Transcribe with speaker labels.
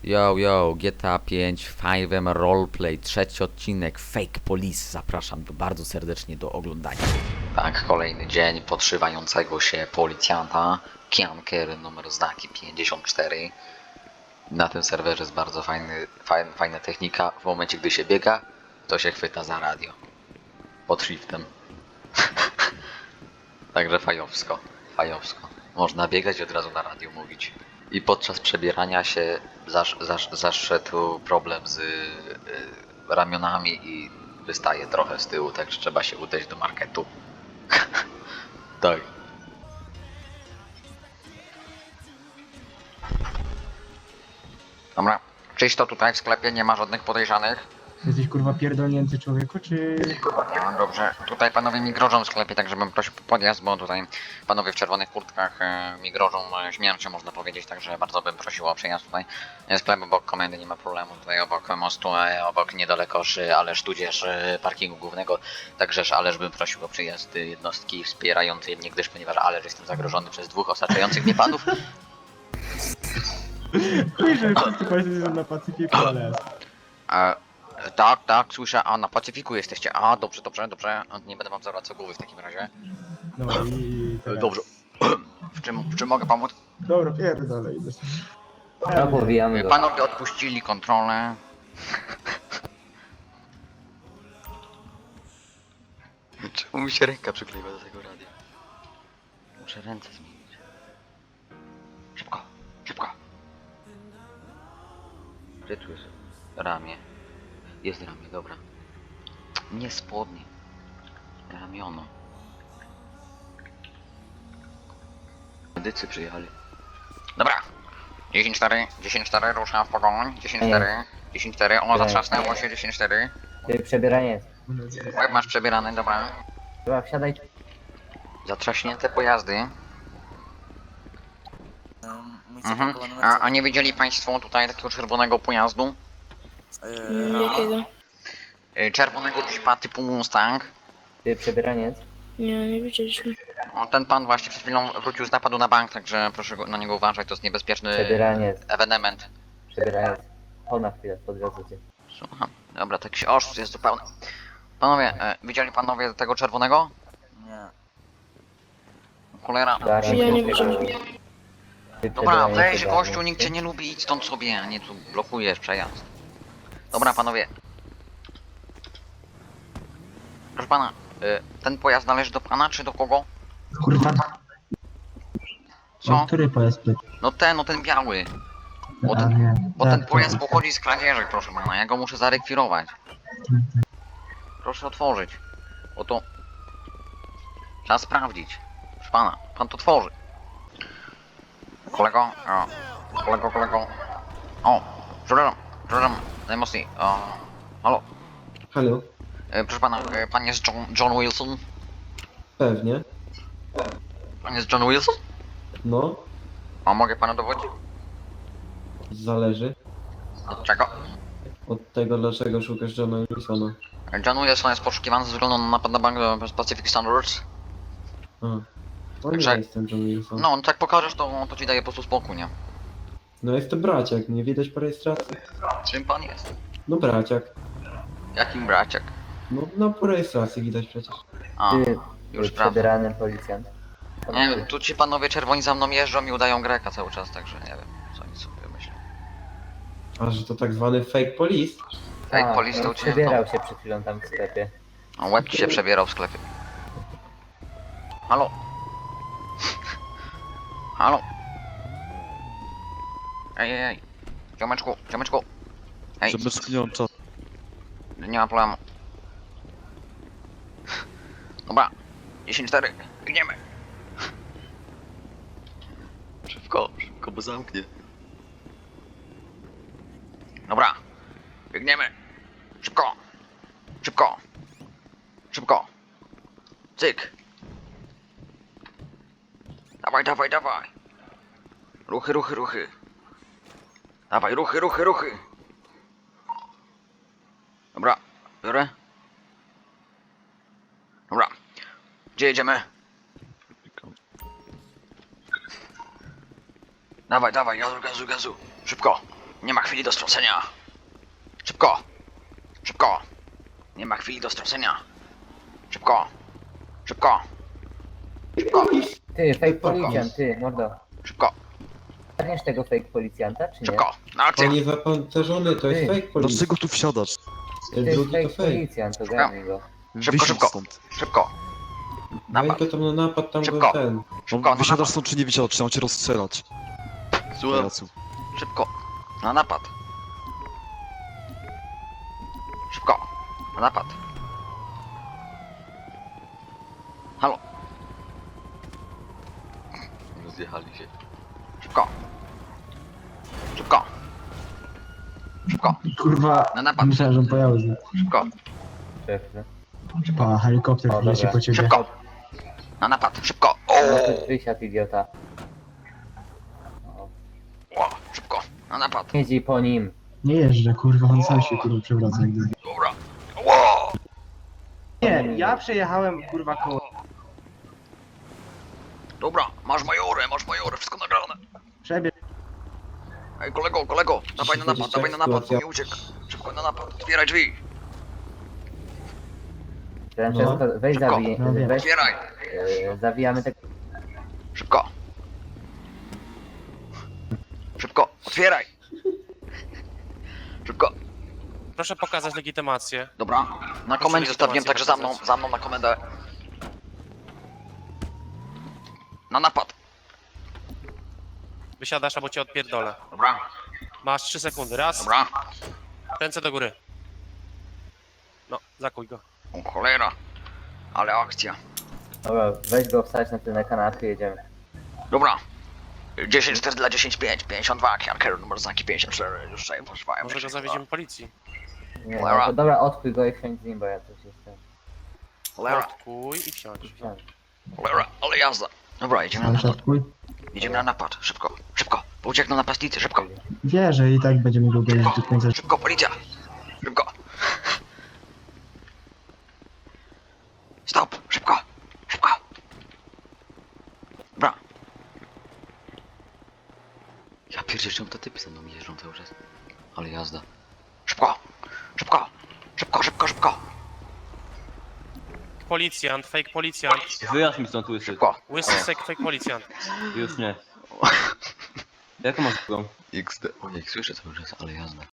Speaker 1: Yo, GTA 5, 5M Roleplay, trzeci odcinek, Fake Police. Zapraszam bardzo serdecznie do oglądania. Tak, kolejny dzień podszywającego się policjanta. Kianker, numer znaki 54. Na tym serwerze jest bardzo fajna technika. W momencie, gdy się biega, to się chwyta za radio. Pod shiftem. Także fajowsko. Można biegać i od razu na radio mówić. I podczas przebierania się zaszedł problem z ramionami i wystaje trochę z tyłu, także trzeba się udać do marketu. Tak. Dobra, czysto tutaj w sklepie, nie ma żadnych podejrzanych.
Speaker 2: Jesteś kurwa pierdolnięty człowieku, czy...
Speaker 1: No dobrze, tutaj panowie mi grożą w sklepie, także bym prosił o podjazd, bo tutaj panowie w czerwonych kurtkach mi grożą śmiercią, można powiedzieć, także bardzo bym prosił o przejazd tutaj. Sklep obok komendy, nie ma problemu, tutaj obok mostu, obok niedaleko Ależ, tudzież parkingu głównego, także Ależ bym prosił o przyjazd jednostki wspierającej mnie, gdyż ponieważ Ależ jestem zagrożony przez dwóch osaczających mnie panów.
Speaker 2: Chuj, że wszyscy państwo są na Pacyfiku, ale...
Speaker 1: Tak, słyszę, a na Pacyfiku jesteście, a dobrze, nie będę wam zawracał głowy w takim razie.
Speaker 2: No i teraz...
Speaker 1: Dobrze. W czym mogę pomóc?
Speaker 2: Dobra, pierdolę, idę sobie.
Speaker 3: No, powijamy go.
Speaker 1: Panowie odpuścili kontrolę. Czemu mi się ręka przykleiła do tego radia? Muszę ręce zmienić. Szybko. Gdzie tu jest ramię? Jest ramię, dobra. Nie spodnie. Ramiono. Medycy przyjechali. Dobra. 10-4, rusza w pogoń. 10-4, o zatrzasnęło się, 10-4.
Speaker 3: Ty przebieranie.
Speaker 1: Jak masz przebierane, dobra.
Speaker 3: Chyba wsiadaj.
Speaker 1: Zatrzaśnięte pojazdy. A nie widzieli państwo tutaj takiego czerwonego pojazdu?
Speaker 4: Jakiego?
Speaker 1: Czerwonego Jeepa typu Mustang.
Speaker 3: Ty przebieraniec.
Speaker 4: Nie widzieliśmy.
Speaker 1: O, ten pan właśnie przed chwilą wrócił z napadu na bank, także proszę na niego uważać, to jest niebezpieczny
Speaker 3: Przebieraniec.
Speaker 1: ewenement.
Speaker 3: Przebieraniec. Chodź na chwilę, podwiozę cię.
Speaker 1: Słucham. Dobra, taki oszust jest zupełny. Panowie, widzieli panowie tego czerwonego?
Speaker 5: Nie.
Speaker 1: Cholera.
Speaker 3: Zaraz
Speaker 4: Ja nie
Speaker 3: cię
Speaker 4: widziałem.
Speaker 3: Ty
Speaker 1: Dobra,
Speaker 3: przebieraniec,
Speaker 1: weź
Speaker 3: ogarnij.
Speaker 1: gościu, nikt cię nie lubi, idź stąd sobie, a nie tu blokujesz przejazd. Dobra panowie. Proszę pana, ten pojazd należy do pana czy do kogo?
Speaker 2: Kurwa,
Speaker 1: Co?
Speaker 2: który pojazd był?
Speaker 1: No ten biały. Bo
Speaker 2: A,
Speaker 1: ten,
Speaker 2: nie.
Speaker 1: bo
Speaker 2: Tak,
Speaker 1: ten pojazd
Speaker 2: tak.
Speaker 1: pochodzi z kradzieży, proszę pana, ja go muszę zarekwirować. Proszę otworzyć. Bo to... Trzeba sprawdzić. Proszę pana, pan to tworzy. Kolego, kolego. O, przepraszam, najmocniej. Halo,
Speaker 6: Halo,
Speaker 1: proszę pana, pan jest John Wilson?
Speaker 6: pewnie.
Speaker 1: Pan jest John Wilson?
Speaker 6: No,
Speaker 1: A mogę pana dowodzić?
Speaker 6: zależy
Speaker 1: Od czego?
Speaker 6: od tego, dlaczego szukasz Johna Wilsona.
Speaker 1: John Wilson jest poszukiwany ze względu na napad na bank Pacific Standards.
Speaker 6: A, to
Speaker 1: Także-
Speaker 6: nie jestem John Wilson.
Speaker 1: No, tak pokażesz, to ci daje po prostu spokój, nie?
Speaker 6: No jestem braciak, nie widać po rejestracji?
Speaker 1: Czym pan jest?
Speaker 6: No braciak.
Speaker 1: Jakim braciak?
Speaker 6: No po rejestracji widać przecież.
Speaker 1: A,
Speaker 3: Ty,
Speaker 1: już
Speaker 3: ty
Speaker 1: prawda.
Speaker 3: przebierany policjant.
Speaker 1: Nie wiem, tu ci panowie czerwoni za mną jeżdżą i udają Greka cały czas, także nie wiem, co oni sobie myślą.
Speaker 6: A że to tak zwany fake police?
Speaker 1: Fake police to u ciebie
Speaker 3: Przebierał się przed chwilą tam w sklepie.
Speaker 1: to... Łeb ci się przebierał w sklepie. Halo? Halo? Ej. Ziomeczku. Ej,
Speaker 5: Bez klienta.
Speaker 1: nie ma problemu. Dobra, 10-4, biegniemy. Szybko, bo zamknie. Dobra, biegniemy. Szybko. Cyk. Dawaj. Ruchy. Dawaj, ruchy. Dobra, biorę. Dobra, gdzie jedziemy? Dawaj, gazu. Szybko. Nie ma chwili do stracenia. Szybko. Szybko. Nie ma chwili do stracenia. Szybko. Szybko. Szybko.
Speaker 3: Ty, fake policjant, ty, mordo.
Speaker 1: Szybko.
Speaker 3: Zgarniesz tego fake policjanta, czy nie?
Speaker 1: Szybko. Na akcję.
Speaker 6: On jest zapancerzony, to jest
Speaker 3: Ty.
Speaker 6: fake police.
Speaker 5: Dlaczego tu wsiadasz?
Speaker 6: Ten
Speaker 3: To jest
Speaker 6: drugi to
Speaker 3: fake
Speaker 6: fake.
Speaker 3: policjant, to zgarnij go.
Speaker 1: Szybko,
Speaker 5: Wysiądź
Speaker 1: szybko.
Speaker 5: stąd.
Speaker 1: Szybko.
Speaker 6: Weź
Speaker 1: Napad.
Speaker 6: go tam na napad, tam
Speaker 1: Szybko.
Speaker 6: go ten.
Speaker 1: Szybko. Na
Speaker 5: Wysiadasz
Speaker 1: napad.
Speaker 5: stąd czy nie wysiadasz? Czy mam cię rozstrzelać? Pajacu.
Speaker 1: Szybko. Na napad. Szybko. Na napad. Halo. Rozjechali się. Szybko. Szybko. Szybko.
Speaker 2: Kurwa,
Speaker 1: Na napad.
Speaker 2: myślałem, że on pojechał z nim.
Speaker 1: Szybko.
Speaker 3: Szefie.
Speaker 2: Pa, helikopter
Speaker 3: O,
Speaker 2: leci
Speaker 3: dobra.
Speaker 2: po ciebie.
Speaker 1: Szybko. Na napad. Szybko.
Speaker 3: Nawet wysiadł, idiota.
Speaker 1: O, szybko. Na napad.
Speaker 3: Jeździ po nim.
Speaker 2: Nie jeżdżę, kurwa, on sam się kurwa przewraca jak gdyby.
Speaker 1: Dobra. Ło!
Speaker 7: Nie, ja przejechałem kurwa koło.
Speaker 1: Dobra. Masz majorę, wszystko nagrane.
Speaker 2: Przebieg.
Speaker 1: Ej, kolego. Dawaj na napad, dawaj na napad, bo
Speaker 6: Sytuacja.
Speaker 1: mi uciekł. Szybko na napad. Otwieraj drzwi.
Speaker 3: Francesco, weź
Speaker 1: Szybko.
Speaker 3: zabij,
Speaker 2: No wiem.
Speaker 3: weź,
Speaker 1: Otwieraj.
Speaker 3: zawijamy te...
Speaker 1: Szybko. Szybko. Otwieraj. Szybko.
Speaker 8: Proszę pokazać legitymację.
Speaker 1: Dobra. Na komendzie zostawiłem, także za mną na komendę. Na napad.
Speaker 8: Wysiadasz albo cię odpierdolę.
Speaker 1: Dobra.
Speaker 8: Masz 3 sekundy. Raz,
Speaker 1: Dobra.
Speaker 8: ręce do góry. No, zakuj go.
Speaker 1: O cholera. Ale akcja.
Speaker 3: Dobra, weź go wstać na tyle kanapy, jedziemy.
Speaker 1: Dobra. 10-4 dla 10-5. 52. Kierunek numer znaki 54. Już sobie poszwałem.
Speaker 8: Może go zawieziemy policji.
Speaker 3: Nie,
Speaker 1: Cholera.
Speaker 3: no to dobra, odpój go i wsiądź z nim, bo ja coś jestem.
Speaker 1: Cholera.
Speaker 8: Odkuj i wsiądź.
Speaker 3: Wsiądź.
Speaker 1: Cholera. Ale jazda. Dobra, jedziemy na
Speaker 2: Ale
Speaker 1: napad.
Speaker 2: szatkuj.
Speaker 1: Jedziemy na napad. Szybko. Szybko. Bo uciekną napastnicy. Szybko.
Speaker 2: Wie, że i tak będziemy go gonić do końca.
Speaker 1: Szybko, policja! Szybko! Stop! Szybko! Szybko! Dobra. Ja pierdzielę, czemu te typy ze mną jeżdżą cały czas. Ale jazda. Szybko! Szybko! Szybko!
Speaker 8: Policjant, fake policjant.
Speaker 9: Wyjazd mi stąd łysy.
Speaker 1: Szybko!
Speaker 8: Łysy fake policjant.
Speaker 9: Już nie. Jaką masz drugą?
Speaker 1: XD. Ojej, słyszę cały czas, ale jazda.